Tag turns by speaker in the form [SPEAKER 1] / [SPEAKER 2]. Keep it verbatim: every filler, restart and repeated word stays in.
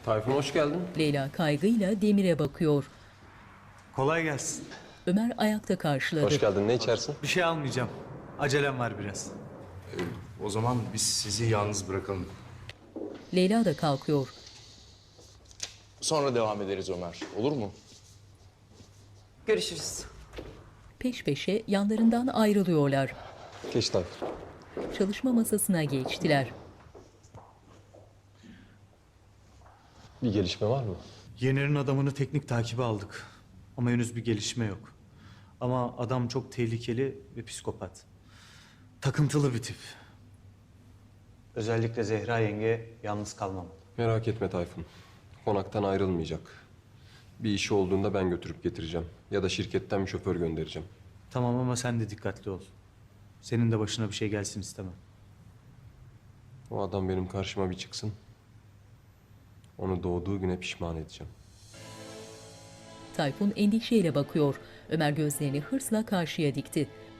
[SPEAKER 1] Tayfun hoş geldin.
[SPEAKER 2] Leyla kaygıyla Demir'e bakıyor.
[SPEAKER 3] Kolay gelsin.
[SPEAKER 2] Ömer ayakta karşıladı.
[SPEAKER 1] Hoş geldin. Ne içersin?
[SPEAKER 3] Bir şey almayacağım. Acelem var biraz.
[SPEAKER 4] O zaman biz sizi yalnız bırakalım.
[SPEAKER 2] Leyla da kalkıyor.
[SPEAKER 4] Sonra devam ederiz Ömer. Olur mu?
[SPEAKER 5] Görüşürüz.
[SPEAKER 2] Peş peşe yanlarından ayrılıyorlar.
[SPEAKER 1] Geç Tayfun.
[SPEAKER 2] Çalışma masasına geçtiler.
[SPEAKER 1] Bir gelişme var mı?
[SPEAKER 3] Yener'in adamını teknik takibe aldık. Ama henüz bir gelişme yok. Ama adam çok tehlikeli ve psikopat. Takıntılı bir tip. Özellikle Zehra yenge yalnız kalmam.
[SPEAKER 1] Merak etme Tayfun. Konaktan ayrılmayacak. Bir işi olduğunda ben götürüp getireceğim. Ya da şirketten bir şoför göndereceğim.
[SPEAKER 3] Tamam ama sen de dikkatli ol. Senin de başına bir şey gelsin istemem.
[SPEAKER 1] O adam benim karşıma bir çıksın. Onu doğduğu güne pişman edeceğim.
[SPEAKER 2] Tayfun endişeyle bakıyor. Ömer gözlerini hırsla karşıya dikti.